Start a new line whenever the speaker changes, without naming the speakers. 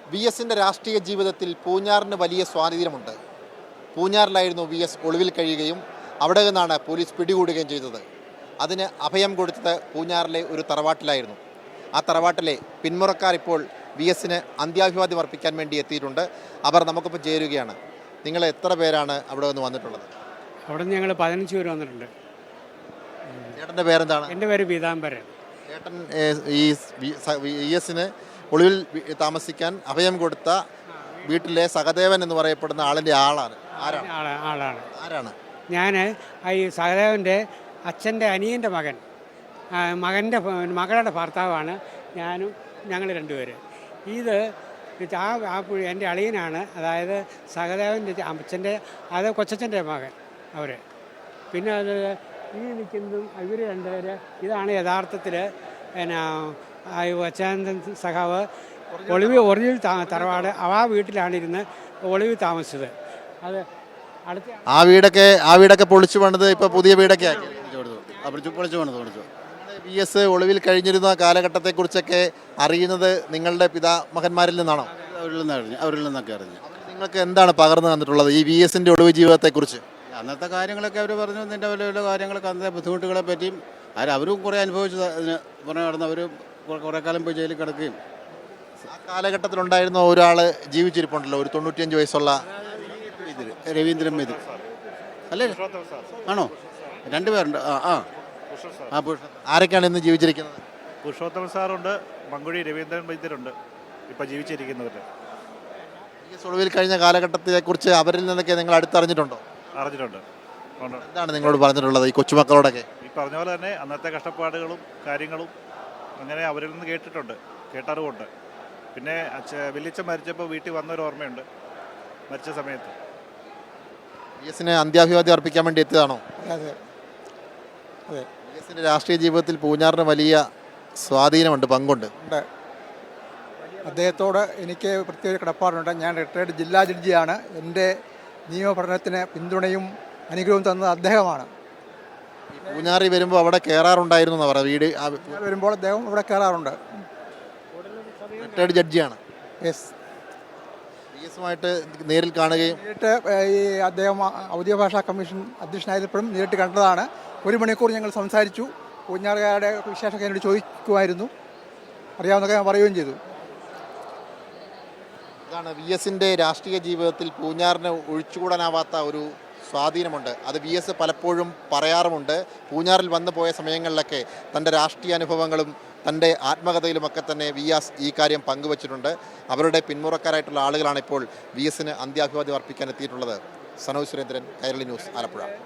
V എസിൻ്റെ രാഷ്ട്രീയ ജീവിതത്തിൽ പൂഞ്ഞാറിന് വലിയ സ്വാധീനമുണ്ട്. പൂഞ്ഞാറിലായിരുന്നു വി എസ് ഒളിവിൽ കഴിയുകയും അവിടെ നിന്നാണ് പോലീസ് പിടികൂടുകയും ചെയ്തത്. അതിന് അഭയം കൊടുത്തത് പൂഞ്ഞാറിലെ ഒരു തറവാട്ടിലായിരുന്നു. ആ തറവാട്ടിലെ പിന്മുറക്കാർ ഇപ്പോൾ വി എസിന് അന്ത്യാഭിവാദ്യം അർപ്പിക്കാൻ വേണ്ടി എത്തിയിട്ടുണ്ട്. അവർ നമുക്കിപ്പോൾ ചേരുകയാണ്. നിങ്ങൾ എത്ര പേരാണ് അവിടെ നിന്ന് വന്നിട്ടുള്ളത്?
അവിടെ നിന്ന് ഞങ്ങൾ 15 പേര് വന്നിട്ടുണ്ട്.
ചേട്ടൻ്റെ പേരെന്താണ്?
എൻ്റെ പേര് പീതാംബരൻ.
ചേട്ടൻ ഈ വി എസിന് ഒളിവിൽ താമസിക്കാൻ അഭയം കൊടുത്ത വീട്ടിലെ സഹദേവൻ എന്ന് പറയപ്പെടുന്ന ആളിൻ്റെ ആളാണ്. ആരാണ്?
ഞാൻ ഈ സഹദേവൻ്റെ അച്ഛൻ്റെ അനിയൻ്റെ മകളുടെ ഭർത്താവാണ് ഞാനും. ഞങ്ങൾ രണ്ടുപേര്. ഇത് എൻ്റെ അളിയനാണ്. അതായത് സഹദേവൻ്റെ അച്ഛൻ്റെ കൊച്ചച്ഛൻ്റെ മകൻ അവർ. പിന്നെ അത് ഈ നിൽക്കുന്നതും ഇവർ രണ്ടുപേര്. ഇതാണ് യഥാർത്ഥത്തിൽ അച്ഛാനന്ദൻ സഖാവ് ഒളിവിൽ തറവാട് ആ വീട്ടിലാണിരുന്ന് ഒളിവിൽ താമസിച്ചത്. അത് അടുത്ത
ആ വീടൊക്കെ പൊളിച്ചു പണിത് ഇപ്പോൾ പുതിയ വീടൊക്കെ ആക്കി വി എസ് ഒളിവിൽ കഴിഞ്ഞിരുന്ന കാലഘട്ടത്തെക്കുറിച്ചൊക്കെ അറിയുന്നത് നിങ്ങളുടെ പിതാമഹന്മാരിൽ നിന്നാണോ?
അവരിൽ നിന്നൊക്കെ അറിഞ്ഞു.
നിങ്ങൾക്ക് എന്താണ് പകർന്നു തന്നിട്ടുള്ളത് ഈ വി എസിൻ്റെ ഒളിവ് ജീവിതത്തെക്കുറിച്ച്?
അന്നത്തെ കാര്യങ്ങളൊക്കെ അവർ പറഞ്ഞു. ഇതിൻ്റെ വലിയ കാര്യങ്ങളൊക്കെ അന്നത്തെ ബുദ്ധിമുട്ടുകളെ പറ്റിയും അവരും കുറേ അനുഭവിച്ചു. അതിന് പുറമെ നടന്ന് അവർ കുറേ കാലം പോയി ജയിലിൽ കിടക്കുകയും.
ആ കാലഘട്ടത്തിലുണ്ടായിരുന്ന ഒരാൾ ജീവിച്ചിരിപ്പുണ്ടല്ലോ, ഒരു 95 വയസ്സുള്ള
രവീന്ദ്രൻ മെതി അല്ലേ? ആണോ? രണ്ടുപേരുണ്ട്.
ആരൊക്കെയാണ് ഇന്ന് ജീവിച്ചിരിക്കുന്നത്?
പുരുഷോത്തമൻ സാറുണ്ട്, മങ്കുഴി രവീന്ദ്രൻ വൈദ്യരുണ്ട് ഇപ്പോൾ ജീവിച്ചിരിക്കുന്നവർ.
ഈ ഒളിവിൽ കഴിഞ്ഞ കാലഘട്ടത്തെക്കുറിച്ച് അവരിൽ നിന്നൊക്കെ നിങ്ങൾ അടുത്തറിഞ്ഞിട്ടുണ്ടോ?
അറിഞ്ഞിട്ടുണ്ട്.
എന്താണ് നിങ്ങളോട് പറഞ്ഞിട്ടുള്ളത് ഈ കൊച്ചുമക്കളോടൊക്കെ?
ഈ പറഞ്ഞ പോലെ തന്നെ അന്നത്തെ കഷ്ടപ്പാടുകളും കാര്യങ്ങളും അങ്ങനെ അവരിൽ നിന്ന് കേട്ടറിവുണ്ട്. പിന്നെ വലിയച്ഛൻ മരിച്ചപ്പോൾ വീട്ടിൽ വന്നൊരു ഓർമ്മയുണ്ട്. മരിച്ച സമയത്ത്
വി എസിന് അന്ത്യാഭിവാദ്യം അർപ്പിക്കാൻ വേണ്ടി എത്തിയതാണോ?
അതെ.
വി എസിൻ്റെ രാഷ്ട്രീയ ജീവിതത്തിൽ പൂഞ്ഞാറിന് വലിയ സ്വാധീനമുണ്ട്, പങ്കുണ്ട്.
അദ്ദേഹത്തോട് എനിക്ക് പ്രത്യേക കടപ്പാടുണ്ട്. ഞാൻ റിട്ടയർഡ് ജില്ലാ ജഡ്ജിയാണ്. എൻ്റെ നിയമപഠനത്തിന് പിന്തുണയും അനുഗ്രഹവും തന്നത് അദ്ദേഹമാണ്.
പൂഞ്ഞാറി വരുമ്പോൾ അവിടെ കയറാറുണ്ടായിരുന്നു എന്നാണ് പറയുക. വീട്
വരുമ്പോൾ അദ്ദേഹം ഇവിടെ കയറാറുണ്ട്.
റിട്ടയർഡ് ജഡ്ജിയാണ്.
യെസ്.
വി എസുമായിട്ട് നേരിൽ കാണുകയും
നേരിട്ട് ഈ അദ്ദേഹം ഔദ്യോഗിക ഭാഷാ കമ്മീഷൻ അധ്യക്ഷനായപ്പോഴും നേരിട്ട് കണ്ടതാണ്. 1 മണിക്കൂർ ഞങ്ങൾ സംസാരിച്ചു. പൂഞ്ഞാറുകാരുടെ വിശേഷമൊക്കെ എന്നോട് ചോദിക്കുമായിരുന്നു. അറിയാവുന്നതൊക്കെ ഞാൻ പറയുകയും ചെയ്തു.
ഇതാണ് വി എസിൻ്റെ രാഷ്ട്രീയ ജീവിതത്തിൽ പൂഞ്ഞാറിന് ഒഴിച്ചുകൂടാനാവാത്ത ഒരു സ്വാധീനമുണ്ട്. അത് വി എസ് പലപ്പോഴും പറയാറുമുണ്ട്. പൂഞ്ഞാറിൽ വന്നു പോയ സമയങ്ങളിലൊക്കെ തൻ്റെ രാഷ്ട്രീയ അനുഭവങ്ങളും തൻ്റെ ആത്മകഥയിലുമൊക്കെ തന്നെ വി എസ് ഈ കാര്യം പങ്കുവച്ചിട്ടുണ്ട്. അവരുടെ പിന്മുറക്കാരായിട്ടുള്ള ആളുകളാണ് ഇപ്പോൾ വി എസിന് അന്ത്യാഭിവാദ്യം അർപ്പിക്കാൻ എത്തിയിട്ടുള്ളത്. സനോജ് സുരേന്ദ്രൻ, കൈരളി ന്യൂസ്, ആലപ്പുഴ.